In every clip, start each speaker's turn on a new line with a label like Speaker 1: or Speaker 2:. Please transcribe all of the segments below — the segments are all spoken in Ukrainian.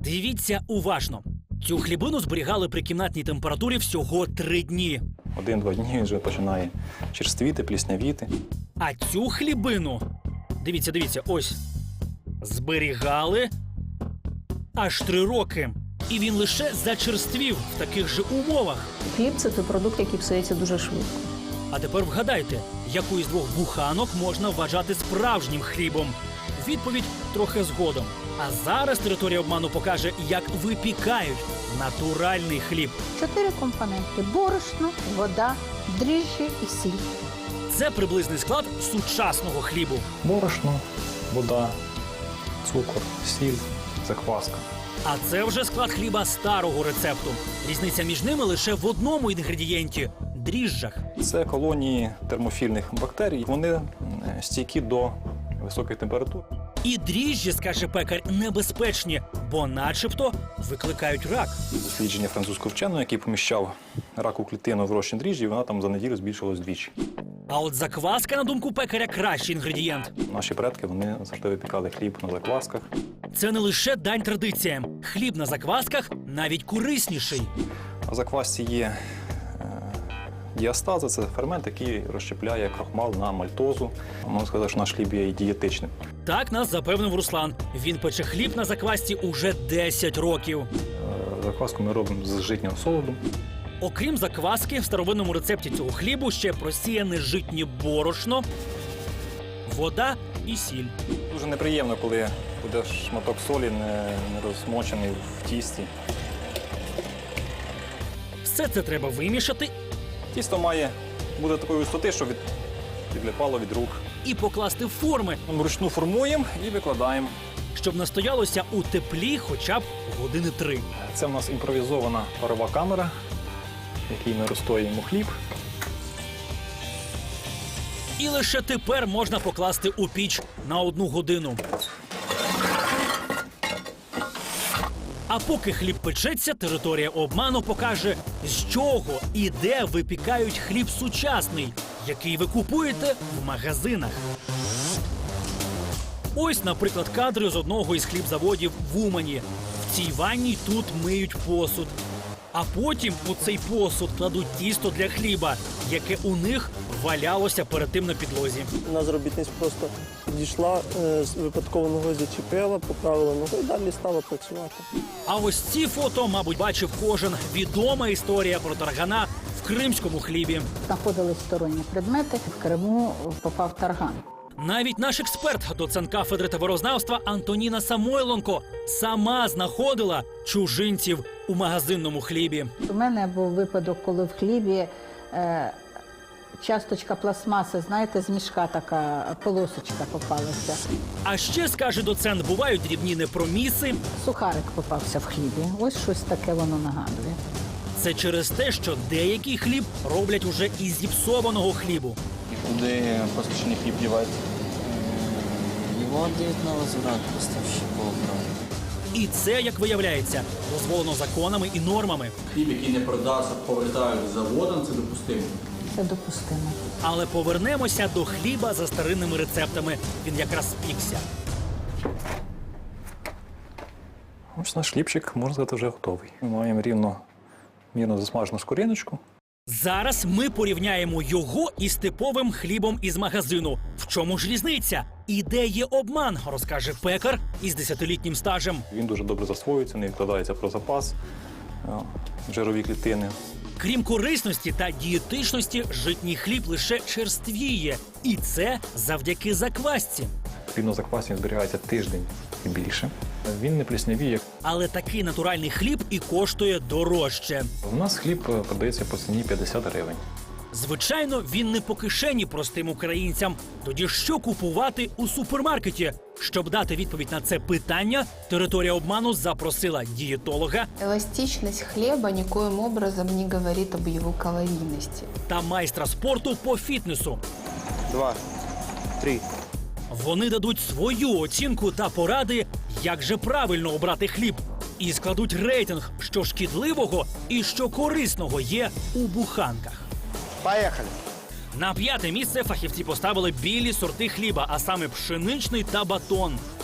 Speaker 1: Дивіться уважно. Цю хлібину зберігали при кімнатній температурі всього 3 дні.
Speaker 2: 1-2 дні він вже починає черствіти, пліснявіти.
Speaker 1: А цю хлібину, дивіться, ось, зберігали аж 3 роки. І він лише зачерствів в таких же умовах.
Speaker 3: Хліб – це той продукт, який псується дуже швидко.
Speaker 1: А тепер вгадайте, яку із 2 буханок можна вважати справжнім хлібом? Відповідь трохи згодом. А зараз територія обману покаже, як випікають натуральний хліб.
Speaker 4: 4 компоненти: борошно, вода, дріжджі і сіль.
Speaker 1: Це приблизний склад сучасного хлібу.
Speaker 2: Борошно, вода, цукор, сіль, закваска.
Speaker 1: А це вже склад хліба старого рецепту. Різниця між ними лише в одному інгредієнті – дріжджах.
Speaker 2: Це колонії термофільних бактерій. Вони стійкі до високих температур.
Speaker 1: І дріжджі, скаже пекар, небезпечні, бо начебто викликають рак.
Speaker 2: Дослідження французького вченого, який поміщав раку клітину в розчин дріжджі, вона там за неділю збільшилась вдвічі.
Speaker 1: А от закваска, на думку пекаря, кращий інгредієнт.
Speaker 2: Наші предки, вони завжди випікали хліб на заквасках.
Speaker 1: Це не лише дань традиціям. Хліб на заквасках навіть корисніший.
Speaker 2: А в заквасці є діастаза – це фермент, який розщепляє крохмал на мальтозу. Можна сказати, що наш хліб є і дієтичним.
Speaker 1: Так нас запевнив Руслан. Він пече хліб на заквасці уже 10 років.
Speaker 2: Закваску ми робимо з житнього солоду.
Speaker 1: Окрім закваски, в старовинному рецепті цього хлібу ще просіяне житнє борошно, вода і сіль.
Speaker 2: Дуже неприємно, коли буде шматок солі не розмочений в тісті.
Speaker 1: Все це треба вимішати
Speaker 2: Тісто має бути такої висоти, щоб відлипало від рук.
Speaker 1: і покласти в форми,
Speaker 2: Вручну формуємо і викладаємо.
Speaker 1: щоб настоялося у теплі хоча б години 3.
Speaker 2: Це в нас імпровізована парова камера, в якій ми розстоюємо хліб.
Speaker 1: І лише тепер можна покласти у піч на 1 годину. А поки хліб печеться, територія обману покаже, з чого і де випікають хліб сучасний, який ви купуєте в магазинах. Ось, наприклад, кадри з одного із хлібзаводів в Умані. В цій ванні тут миють посуд. А потім у цей посуд кладуть тісто для хліба, яке у них валялося перед тим на підлозі.
Speaker 5: У нас робітниця просто підійшла, випадково ногою зачепила, поправила ногу і далі стала працювати.
Speaker 1: А ось ці фото, мабуть, бачив кожен. Відома історія про таргана в кримському хлібі.
Speaker 4: Знаходились сторонні предмети. В Криму попав тарган.
Speaker 1: Навіть наш експерт, доцент кафедри товарознавства Антоніна Самойленко, сама знаходила чужинців у магазинному хлібі.
Speaker 4: У мене був випадок, коли в хлібі часточка пластмаси, знаєте, з мішка така полосочка попалася.
Speaker 1: А ще, скаже доцент, бувають дрібні непроміси.
Speaker 4: Сухарик попався в хлібі. Ось щось таке воно нагадує.
Speaker 1: Це через те, що деякий хліб роблять уже із зіпсованого хлібу.
Speaker 6: Куди посічний хліб дівається?
Speaker 7: Его отдают на возврат поставщиков.
Speaker 1: І це, як виявляється, дозволено законами і нормами.
Speaker 8: Хліб, який не продався, повертають заводом, це допустимо.
Speaker 4: Це допустимо.
Speaker 1: Але повернемося до хліба за старинними рецептами. Він якраз спікся.
Speaker 2: Ось наш хлібчик, можна сказати, вже готовий. Ми маємо мірно засмажену скориночку.
Speaker 1: Зараз ми порівняємо його із типовим хлібом із магазину. В чому ж різниця? І де є обман, розкаже пекар із 10-літнім стажем.
Speaker 2: Він дуже добре засвоюється, не відкладається про запас, жирові клітини.
Speaker 1: Крім корисності та дієтичності, житній хліб лише черствіє. І це завдяки заквасці.
Speaker 2: Хліб на заквасі зберігається тиждень і більше. Він не пліснявіє.
Speaker 1: Але такий натуральний хліб і коштує дорожче.
Speaker 2: У нас хліб продається по ціні 50 гривень.
Speaker 1: Звичайно, він не по кишені простим українцям. Тоді що купувати у супермаркеті? Щоб дати відповідь на це питання, територія обману запросила дієтолога
Speaker 9: Эластичность хлеба никоим образом не говорит об его калорийности.
Speaker 1: та майстра спорту по фітнесу.
Speaker 5: 2, 3.
Speaker 1: Вони дадуть свою оцінку та поради, як же правильно обрати хліб. І складуть рейтинг, що шкідливого і що корисного є у буханках.
Speaker 5: Поїхали!
Speaker 1: На 5-те місце фахівці поставили білі сорти хліба, а саме пшеничний та батон.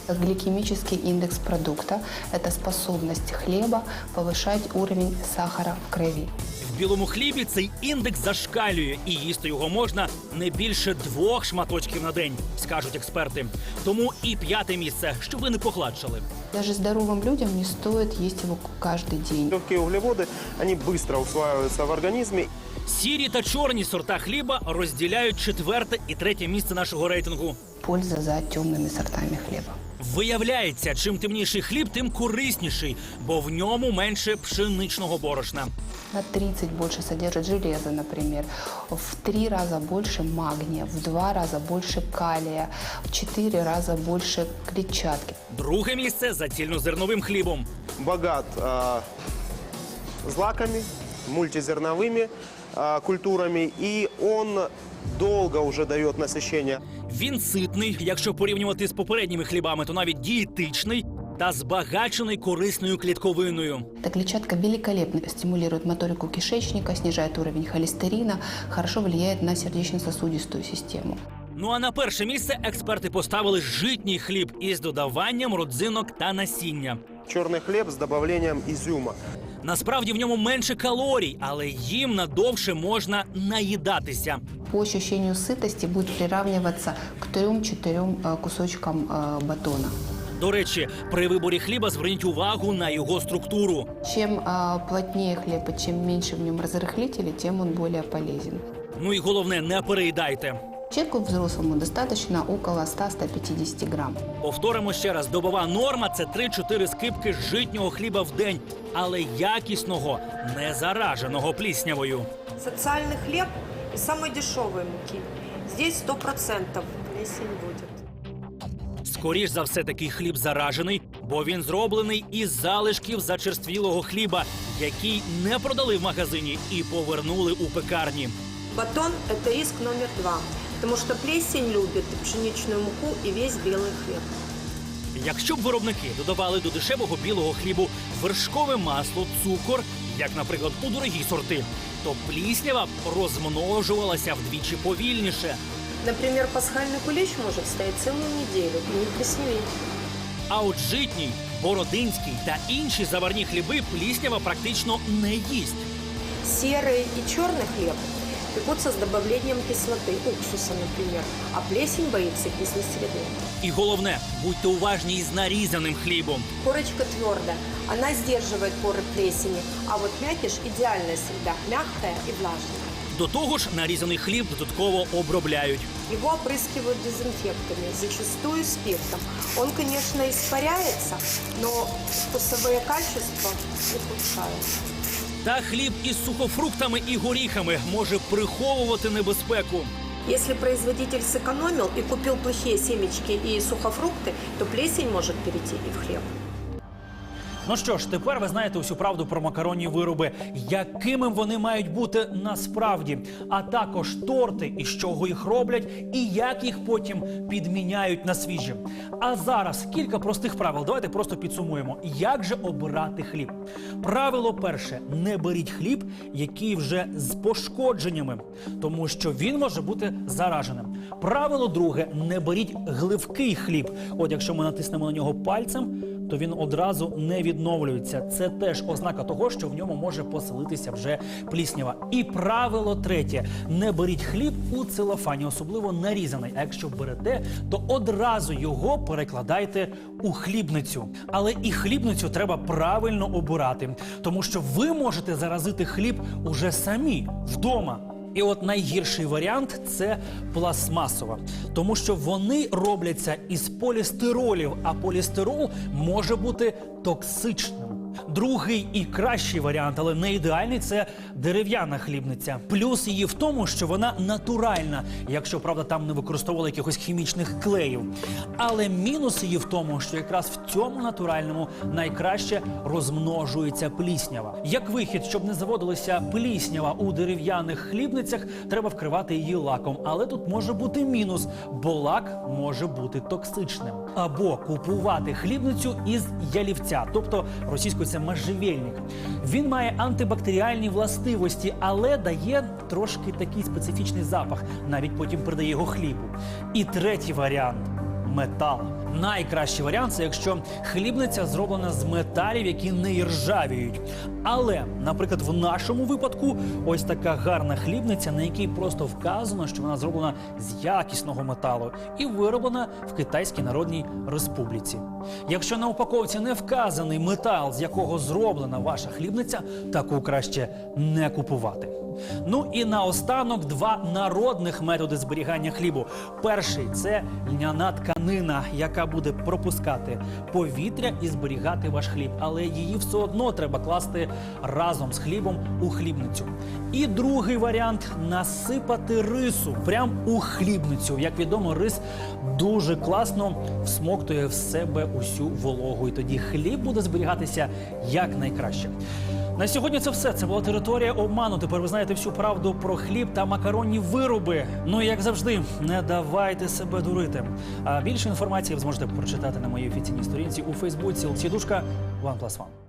Speaker 9: Гликемический индекс продукта – это способность хлеба повышать уровень сахара в крови.
Speaker 1: В білому хлібі цей індекс зашкалює, і їсти його можна не більше 2 шматочків на день, скажуть експерти. Тому і 5-те місце, щоб ви не погладшали.
Speaker 9: Даже здоровым людям не стоит есть его каждый день.
Speaker 10: Легкие углеводы, они быстро усваиваются в организме.
Speaker 1: Сірі та чорні сорта хліба розділяють 4-те і 3-те місце нашого рейтингу.
Speaker 9: Польза за темными сортами хлеба.
Speaker 1: Виявляється, чим темніший хліб, тим корисніший, бо в ньому менше пшеничного борошна.
Speaker 9: На 30 больше содержит железа, например, в 3 раза больше магния, в 2 раза больше калия, в 4 раза больше клетчатки.
Speaker 1: Друге місце за цільнозерновим хлібом.
Speaker 10: Богат злаками, мультизерновыми культурами, и он долго уже дает насыщение.
Speaker 1: Він ситний, якщо порівнювати з попередніми хлібами, то навіть дієтичний та збагачений корисною клітковиною.
Speaker 9: Эта клетчатка великолепно стимулирует моторику кишечника, снижает уровень холестерина, хорошо влияет на сердечно-сосудистую систему.
Speaker 1: Ну а на перше місце експерти поставили житній хліб із додаванням родзинок та насіння.
Speaker 10: Черный хлеб с добавлением изюма.
Speaker 1: Насправді в ньому менше калорій, але їм надовше можна наїдатися.
Speaker 9: По ощущению сытости будет приравниваться к 3-4 кусочкам батона.
Speaker 1: До речі, при виборі хліба зверніть увагу на його структуру.
Speaker 9: Чем плотнее хлеб и чем меньше в нем разрыхлителей, тем он более полезен.
Speaker 1: Ну і головне, не переїдайте.
Speaker 9: Человеку взрослому достаточно около 100-150 грамм.
Speaker 1: Повторимо ще раз, добова норма – це 3-4 скибки житнього хліба в день, але якісного, не зараженого пліснявою.
Speaker 11: Социальный хлеб и самой дешевой муки. Здесь 100% плесень будет.
Speaker 1: Скоріш за все, такий хліб заражений, бо він зроблений із залишків зачерствілого хліба, який не продали в магазині і повернули у пекарні.
Speaker 11: Батон – это риск номер 2, потому что плесень любит и пшеничную муку, и весь белый хлеб.
Speaker 1: Якщо б виробники додавали до дешевого білого хлібу вершкове масло, цукор, як, наприклад, у дорогі сорти, то пліснява б розмножувалася вдвічі повільніше.
Speaker 11: Например, пасхальный кулич может стоять целую неделю и не плесневеть.
Speaker 1: А от житній, бородинський та інші заварні хліби пліснява практично не їсть.
Speaker 11: Серый и черный хлеб пекутся с добавлением кислоты, уксуса, например, а плесень боится кислой среды.
Speaker 1: І головне, будьте уважні із нарізаним хлібом.
Speaker 11: Корочка твердая, она сдерживает поры плесени, а вот мякиш – идеальная среда, мягкая и влажная.
Speaker 1: До того ж, нарізаний хліб додатково обробляють.
Speaker 11: Его опрыскивают дезинфектами, зачастую спиртом. Он, конечно, испаряется, но вкусовые качества ухудшаются.
Speaker 1: Та хліб із сухофруктами і горіхами може приховувати небезпеку.
Speaker 11: Если производитель сэкономил и купил плохие семечки и сухофрукты, то плесень может перейти и в хлеб.
Speaker 1: Ну що ж, тепер ви знаєте усю правду про макаронні вироби, якими вони мають бути насправді, а також торти, із чого їх роблять і як їх потім підміняють на свіжі. А зараз кілька простих правил. Давайте просто підсумуємо, як же обирати хліб. Правило перше – не беріть хліб, який вже з пошкодженнями, тому що він може бути зараженим. Правило друге – не беріть гливкий хліб. От якщо ми натиснемо на нього пальцем, то він одразу не відновлюється. Це теж ознака того, що в ньому може поселитися вже пліснява. І правило третє – не беріть хліб у целофані, особливо нарізаний. А якщо берете, то одразу його перекладайте у хлібницю. Але і хлібницю треба правильно обирати, тому що ви можете заразити хліб уже самі, вдома. І от найгірший варіант – це пластмасова. Тому що вони робляться із полістиролів, а полістирол може бути токсичним. Другий і кращий варіант, але не ідеальний – це дерев'яна хлібниця. Плюс її в тому, що вона натуральна, якщо, правда, там не використовували якихось хімічних клеїв. Але мінус її в тому, що якраз в цьому натуральному найкраще розмножується пліснява. Як вихід, щоб не заводилася пліснява у дерев'яних хлібницях, треба вкривати її лаком. Але тут може бути мінус, бо лак може бути токсичним. Або купувати хлібницю із ялівця, тобто російською це можжевельник. Він має антибактеріальні властивості, але дає трошки такий специфічний запах, навіть потім придає його хлібу. І третій варіант – метал. Найкращий варіант – це якщо хлібниця зроблена з металів, які не іржавіють. Але, наприклад, в нашому випадку ось така гарна хлібниця, на якій просто вказано, що вона зроблена з якісного металу і вироблена в Китайській Народній Республіці. Якщо на упаковці не вказаний метал, з якого зроблена ваша хлібниця, таку краще не купувати. Ну і наостанок два народних методи зберігання хлібу. Перший – це льняна тканина, яка буде пропускати повітря і зберігати ваш хліб. Але її все одно треба класти разом з хлібом у хлібницю. І другий варіант – насипати рису прямо у хлібницю. Як відомо, рис дуже класно всмоктує в себе усю вологу. І тоді хліб буде зберігатися якнайкраще. На сьогодні це все. Це була територія обману. Тепер ви знаєте всю правду про хліб та макаронні вироби. Ну і як завжди, не давайте себе дурити. А більше інформації ви зможете прочитати на моїй офіційній сторінці у Фейсбуці. Олексій Душка, OnePlus One.